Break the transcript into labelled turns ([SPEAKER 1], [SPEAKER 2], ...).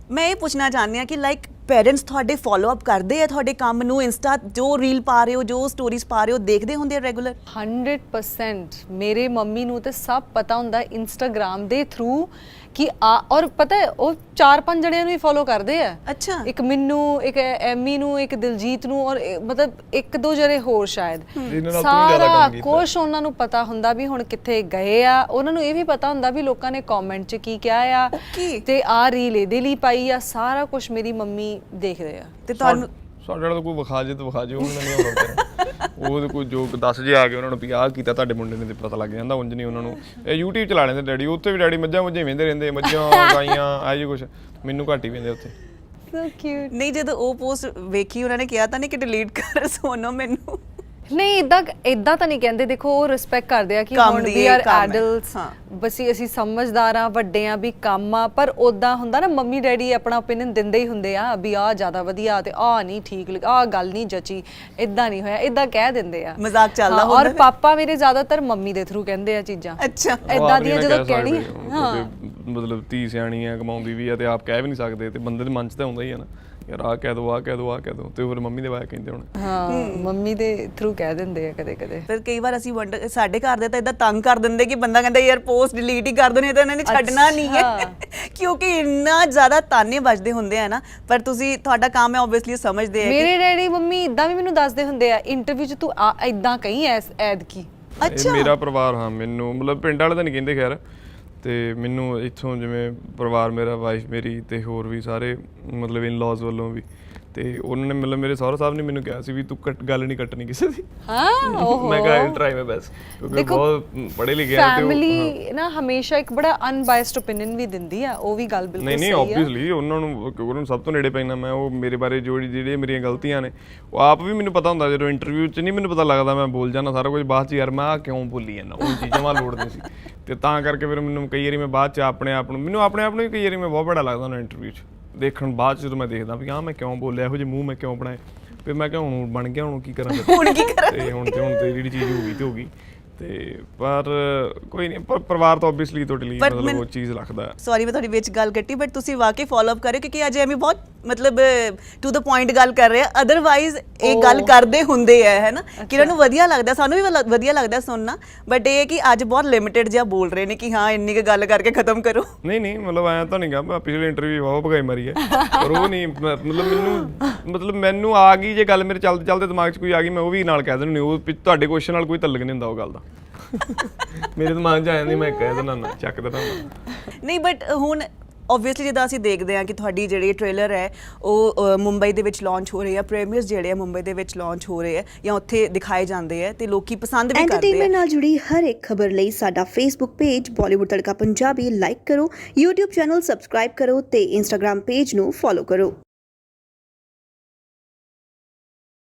[SPEAKER 1] ਮੈਂ ਇਹ ਪੁੱਛਣਾ ਚਾਹੁੰਦੀ ਹਾਂ ਕਿ ਲਾਈਕ ਪੇਰੈਂਟਸ ਤੁਹਾਡੇ ਫੋਲੋ ਅਪ ਕਰਦੇ ਆ ਤੁਹਾਡੇ ਕੰਮ ਨੂੰ, ਇੰਸਟਾ ਜੋ ਰੀਲ ਪਾ ਰਹੇ ਹੋ, ਜੋ ਸਟੋਰੀਜ਼ ਪਾ ਰਹੇ ਹੋ, ਦੇਖਦੇ ਹੁੰਦੇ ਆ ਰੈਗੂਲਰ?
[SPEAKER 2] 100% ਮੇਰੇ ਮੰਮੀ ਨੂੰ ਤੇ ਸਭ ਪਤਾ ਹੁੰਦਾ ਇੰਸਟਾਗ੍ਰਾਮ ਦੇ ਥਰੂ ਕਿ ਔਰ ਪਤਾ ਹੈ ਉਹ 4-5 ਜਣਿਆਂ ਨੂੰ ਹੀ ਫੋਲੋ ਕਰਦੇ ਆ।
[SPEAKER 1] ਅੱਛਾ।
[SPEAKER 2] ਇੱਕ ਮੈਨੂੰ, ਇੱਕ ਐਮੀ ਨੂੰ, ਇੱਕ ਦਿਲਜੀਤ ਨੂੰ, ਔਰ ਮਤਲਬ 1-2 ਜਣੇ ਹੋਰ ਸ਼ਾਇਦ। ਸਾਰਾ ਕੁਛ ਉਹਨਾਂ ਨੂੰ ਪਤਾ ਹੁੰਦਾ ਵੀ ਹੁਣ ਕਿੱਥੇ ਗਏ ਆ। ਉਹਨਾਂ ਨੂੰ ਇਹ ਵੀ ਪਤਾ ਹੁੰਦਾ ਵੀ ਲੋਕਾਂ ਨੇ ਕਮੈਂਟ 'ਚ ਕੀ ਕਿਹਾ ਆ ਤੇ ਆਹ ਰੀਲ ਇਹਦੇ ਲਈ ਪਾਈ ਆ। ਸਾਰਾ ਕੁਛ ਮੇਰੀ ਮੰਮੀ ਦੇਖਦੇ ਆ। ਤੇ ਤੁਹਾਨੂੰ
[SPEAKER 3] ਸਾਡੇ ਨਾਲ ਕੋਈ ਵਿਖਾ ਜੇ ਤਾਂ ਵਿਖਾ ਜੇ, ਉਹਨਾਂ ਨੇ ਆਉਣਾ ਉਹ ਕੋਈ ਜੋ ਦੱਸ ਜੇ ਆ ਕੇ ਉਹਨਾਂ ਨੂੰ ਵੀ ਆਹ ਕੀਤਾ ਤੁਹਾਡੇ ਮੁੰਡੇ ਨੇ ਤੇ ਪਤਾ ਲੱਗ ਜਾਂਦਾ। ਉਂਝ ਨਹੀਂ ਉਹਨਾਂ ਨੂੰ ਇਹ YouTube ਚਲਾ ਲੈਂਦੇ ਡੈਡੀ, ਉੱਥੇ ਵੀ ਡੈਡੀ ਮੱਝਾਂ ਮੁੱਝਾਂ ਵੇਂਦੇ ਰਹਿੰਦੇ, ਮੱਝਾਂ ਗਾਈਆਂ ਆਹ ਜੀ ਕੁਛ, ਮੈਨੂੰ ਘੱਟ ਹੀ ਵੇਂਦੇ ਉੱਥੇ।
[SPEAKER 2] So cute.
[SPEAKER 1] ਨਹੀਂ ਜਦੋਂ ਉਹ ਪੋਸਟ ਵੇਖੀ ਉਹਨਾਂ ਨੇ ਕਿਹਾ ਤਾਂ ਨਹੀਂ ਕਿ ਡਿਲੀਟ ਕਰ ਸੋਨੋ ਮੈਨੂੰ?
[SPEAKER 2] ਨਹੀਂ ਇਦਾਂ ਤਾਂ ਨਹੀਂ ਕਹਿੰਦੇ। ਦੇਖੋ ਉਹ ਰਿਸਪੈਕਟ ਕਰਦੇ ਆ ਕਿ ਹੁਣ ਵੀ ਆਰ ਐਡਲਟਸ, ਬਸ ਅਸੀਂ ਸਮਝਦਾਰ ਆ, ਵੱਡੇ ਆ, ਵੀ ਕੰਮ ਆ। ਪਰ ਉਦਾਂ ਹੁੰਦਾ ਨਾ ਮੰਮੀ ਡੈਡੀ ਆਪਣਾ ਓਪੀਨੀਅਨ ਦਿੰਦੇ ਹੀ ਹੁੰਦੇ ਆ ਵੀ ਆਹ ਜ਼ਿਆਦਾ ਵਧੀਆ ਤੇ ਆਹ ਨਹੀਂ ਠੀਕ, ਆਹ ਗੱਲ ਨਹੀਂ ਜਚੀ, ਇਦਾਂ ਨਹੀਂ ਹੋਇਆ, ਇਦਾਂ ਕਹਿ ਦਿੰਦੇ ਆ,
[SPEAKER 1] ਮਜ਼ਾਕ ਚੱਲਦਾ ਹੁੰਦਾ।
[SPEAKER 2] ਔਰ ਪਾਪਾ ਮੇਰੇ ਜ਼ਿਆਦਾਤਰ ਮੰਮੀ ਦੇ ਥਰੂ ਕਹਿੰਦੇ ਆ ਚੀਜ਼ਾਂ।
[SPEAKER 1] ਅੱਛਾ।
[SPEAKER 2] ਇਦਾਂ ਦੀਆਂ ਜਦੋਂ ਕਹਿਣੀ
[SPEAKER 3] ਮਤਲਬ ਧੀ ਸਿਆਣੀ ਆ, ਕਮਾਉਂਦੀ ਵੀ ਆ ਤੇ ਆਪ ਕਹਿ ਵੀ ਨਹੀਂ ਸਕਦੇ, ਤੇ ਬੰਦੇ ਦੇ ਮਨ 'ਚ ਤਾਂ ਆਉਂਦਾ ਹੀ ਆ ਨਾ ਯਾਰ ਆਹ ਕਹਿ ਦੋ, ਆਹ ਕਹਿ ਦੋ, ਆਹ ਕਹਿ ਦੋ, ਤੇ ਫਿਰ ਮੰਮੀ ਦੇ ਬਾਰੇ ਕਹਿੰਦੇ ਹੁਣ।
[SPEAKER 2] ਹਾਂ ਮੰਮੀ ਦੇ ਥਰੂ ਕਹਿ ਦਿੰਦੇ ਆ ਕਦੇ ਕਦੇ।
[SPEAKER 1] ਫਿਰ ਕਈ ਵਾਰ ਅਸੀਂ ਸਾਡੇ ਘਰ ਦੇ ਤਾਂ ਇਦਾਂ ਤੰਗ ਕਰ ਦਿੰਦੇ ਕਿ ਬੰਦਾ ਕਹਿੰਦਾ ਯਾਰ ਪੋਸਟ ਡਿਲੀਟ ਹੀ ਕਰ ਦੋ, ਨਹੀਂ ਤਾਂ ਇਹਨਾਂ ਨੇ ਛੱਡਣਾ ਨਹੀਂ ਹੈ ਕਿਉਂਕਿ ਇੰਨਾ ਜ਼ਿਆਦਾ ਤਾਨੇ ਵੱਜਦੇ ਹੁੰਦੇ ਆ ਨਾ। ਪਰ ਤੁਸੀਂ ਤੁਹਾਡਾ ਕੰਮ ਹੈ ਓਬਵੀਅਸਲੀ ਸਮਝਦੇ ਆ।
[SPEAKER 2] ਮੇਰੇ ਡੈਡੀ ਮੰਮੀ ਇਦਾਂ ਵੀ ਮੈਨੂੰ ਦੱਸਦੇ ਹੁੰਦੇ ਆ ਇੰਟਰਵਿਊ 'ਚ ਤੂੰ ਇਦਾਂ ਕਹੀਂ ਐਦ ਕੀ।
[SPEAKER 1] ਅੱਛਾ।
[SPEAKER 3] ਮੇਰਾ ਪਰਿਵਾਰ, ਹਾਂ ਮੈਨੂੰ ਮਤਲਬ ਪਿੰਡ ਵਾਲੇ ਤਾਂ ਨਹੀਂ ਕਹਿੰਦੇ ਖੈਰ, ਤੇ ਮੈਨੂੰ ਇੱਥੋਂ ਜਿਵੇਂ ਪਰਿਵਾਰ ਮੇਰਾ, ਵਾਈਫ ਮੇਰੀ ਤੇ ਹੋਰ ਵੀ ਸਾਰੇ ਮਤਲਬ ਇਨ-ਲॉज ਵੱਲੋਂ ਵੀ, ਤੇ ਉਹਨਾਂ ਨੇ ਮਤਲਬ ਮੇਰੇ ਸਹੁਰਾ ਸਾਹਿਬ ਨੇ ਮੈਨੂੰ ਕਿਹਾ ਸੀ ਵੀ ਤੂੰ ਗੱਲ ਨਹੀਂ ਕੱਟਣੀ ਕਿਸੇ ਦੀ।
[SPEAKER 2] ਹਾਂ ਓਹੋ
[SPEAKER 3] ਮੈਂ ਕਿਹਾ ਟਰਾਈ ਮਾਈ ਬੈਸਟ, ਕਿਉਂਕਿ ਬਹੁਤ ਪੜ੍ਹੇ ਲਿਖੇ ਆ ਤੇ
[SPEAKER 2] ਫੈਮਿਲੀ ਨਾ ਹਮੇਸ਼ਾ ਇੱਕ ਬੜਾ ਅਨਬਾਇਸਡ ਓਪੀਨੀਅਨ ਵੀ ਦਿੰਦੀ ਆ। ਉਹ ਵੀ ਗੱਲ ਬਿਲਕੁਲ ਸਹੀ ਆ।
[SPEAKER 3] ਨਹੀਂ ਆਬਵੀਅਸਲੀ ਉਹਨਾਂ ਨੂੰ ਸਭ ਤੋਂ ਨੇੜੇ ਪੈਣਾ ਮੈਂ, ਉਹ ਮੇਰੇ ਬਾਰੇ ਜਿਹੜੀਆਂ ਮੇਰੀਆਂ ਗਲਤੀਆਂ ਨੇ ਉਹ ਆਪ ਵੀ ਮੈਨੂੰ ਪਤਾ ਹੁੰਦਾ। ਜਦੋਂ ਇੰਟਰਵਿਊ 'ਚ ਨਹੀਂ ਮੈਨੂੰ ਪਤਾ ਲੱਗਦਾ ਮੈਂ ਬੋਲ ਜਾਂਦਾ ਸਾਰਾ ਕੁਝ, ਬਾਅਦ 'ਚ ਯਾਰ ਮੈਂ ਆਹ ਕਿਉਂ ਬੋਲੀ ਜਾਂਦਾ, ਉਹ ਚੀਜ਼ਾਂ ਮੈਂ ਲੋੜ ਨਹੀਂ ਸੀ। ਤੇ ਤਾਂ ਕਰਕੇ ਫਿਰ ਮੈਨੂੰ ਕਈ ਵਾਰੀ ਮੈਂ ਬਾਅਦ 'ਚ ਆਪਣੇ ਆਪ ਨੂੰ ਹੀ ਕਈ ਵਾਰੀ ਮੈਂ ਬਹੁਤ ਬੜਾ ਲੱਗਦਾ ਉਹਨਾਂ ਇੰਟਰਵਿਊ 'ਚ ਦੇਖਣ ਬਾਅਦ 'ਚ, ਜਦੋਂ ਮੈਂ ਦੇਖਦਾ ਵੀ ਮੈਂ ਕਿਉਂ ਬੋਲਿਆ, ਇਹੋ ਜਿਹੇ ਮੂੰਹ ਮੈਂ ਕਿਉਂ ਬਣਾਏ। ਫਿਰ ਮੈਂ ਕਿਹਾ ਹੁਣ ਬਣ ਗਿਆ, ਹੁਣ ਕੀ ਕਰਾਂ
[SPEAKER 1] ਹੁਣ ਕੀ ਕਰਾਂ।
[SPEAKER 3] ਤੇ ਹੁਣ ਤੇ ਜਿਹੜੀ ਚੀਜ਼ ਹੋ ਗਈ ਤੇ ਹੋ ਗਈ। ਤੇ ਪਰ ਕੋਈ ਨਹੀਂ, ਪਰ ਪਰਿਵਾਰ ਤਾਂ ਆਬਵੀਅਸਲੀ ਤੁਹਾਡੇ ਲਈ ਮਤਲਬ ਉਹ ਚੀਜ਼ ਰੱਖਦਾ।
[SPEAKER 1] ਸੌਰੀ ਮੈਂ ਤੁਹਾਡੀ ਵਿੱਚ ਗੱਲ ਕੱਟੀ, ਬਟ ਤੁਸੀਂ ਵਾਕਈ ਫੋਲੋ ਅਪ ਕਰਿਓ ਕਿਉਂਕਿ ਅਜੇ ਐਵੇਂ ਬਹੁਤ ਮਤਲਬ ਟੂ ਦ ਪੁਆਇੰਟ ਗੱਲ ਕਰ ਰਹੇ ਆ। ਅਦਰਵਾਈਜ਼ ਇਹ ਗੱਲ ਕਰਦੇ ਹੁੰਦੇ ਆ, ਹੈ ਨਾ, ਕਿ ਇਹਨਾਂ ਨੂੰ ਵਧੀਆ ਲੱਗਦਾ, ਸਾਨੂੰ ਵੀ ਵਧੀਆ ਲੱਗਦਾ ਸੁਣਨਾ। ਬਟ ਇਹ ਹੈ ਕਿ ਅੱਜ ਬਹੁਤ ਲਿਮਿਟਡ ਜਿਹਾ ਬੋਲ ਰਹੇ ਨੇ ਕਿ ਹਾਂ ਇੰਨੀ ਕੁ ਗੱਲ ਕਰਕੇ ਖਤਮ ਕਰੋ।
[SPEAKER 3] ਨਹੀਂ ਮਤਲਬ ਐਂ ਤਾਂ ਨਹੀਂ ਗਾ, ਮੈਂ ਪਿਛਲੇ ਇੰਟਰਵਿਊ ਬਹੁਤ ਭਗਾਈ ਮਾਰੀ ਹੈ, ਪਰ ਉਹ ਨਹੀਂ ਮਤਲਬ ਮੈਨੂੰ ਆ ਗਈ ਜੇ ਗੱਲ ਮੇਰੇ ਚੱਲਦੇ ਦਿਮਾਗ 'ਚ ਕੋਈ ਆ ਗਈ, ਮੈਂ ਉਹ ਵੀ ਨਾਲ ਕਹਿ ਦਿੰਦੀ। ਉਹ ਤੁਹਾਡੇ ਕੁਐਸਚਨ ਨਾਲ ਕੋਈ ਤਲਕ ਨਹੀਂ ਹੁੰਦਾ ਉਹ ਗੱਲ ਦਾ। ਮੇਰੇ ਦਿਮਾਗ 'ਚ ਆ ਜਾਂਦੀ, ਮੈਂ ਕਹਿ ਦਿੰਦਾ ਨਾ, ਚੱਕ ਦਿੰਦਾ
[SPEAKER 1] ਨਹੀਂ। ਬਟ ਹੁਣ ਓਬਵੀਅਸਲੀ ਜਿੱਦਾਂ ਅਸੀਂ ਦੇਖਦੇ ਹਾਂ ਕਿ ਤੁਹਾਡੀ ਜਿਹੜੀ ਟ੍ਰੇਲਰ ਹੈ ਉਹ ਮੁੰਬਈ ਦੇ ਵਿੱਚ ਲਾਂਚ ਹੋ ਰਹੀ ਹੈ, ਪ੍ਰੀਮੀਅਰਸ ਜਿਹੜੇ ਆ ਮੁੰਬਈ ਦੇ ਵਿੱਚ ਲਾਂਚ ਹੋ ਰਹੇ ਆ ਜਾਂ ਉੱਥੇ ਦਿਖਾਏ ਜਾਂਦੇ ਆ ਤੇ ਲੋਕੀ ਪਸੰਦ ਵੀ ਕਰਦੇ ਆ।
[SPEAKER 4] ਐਂਟਰਟੇਨਮੈਂਟ ਨਾਲ ਜੁੜੀ ਹਰ ਇੱਕ ਖਬਰ ਲਈ ਸਾਡਾ Facebook page Bollywood Tadka Punjabi like ਕਰੋ, YouTube ਚੈਨਲ ਸਬਸਕ੍ਰਾਈਬ ਕਰੋ ਤੇ Instagram ਪੇਜ ਨੂੰ ਫੋਲੋ ਕਰੋ।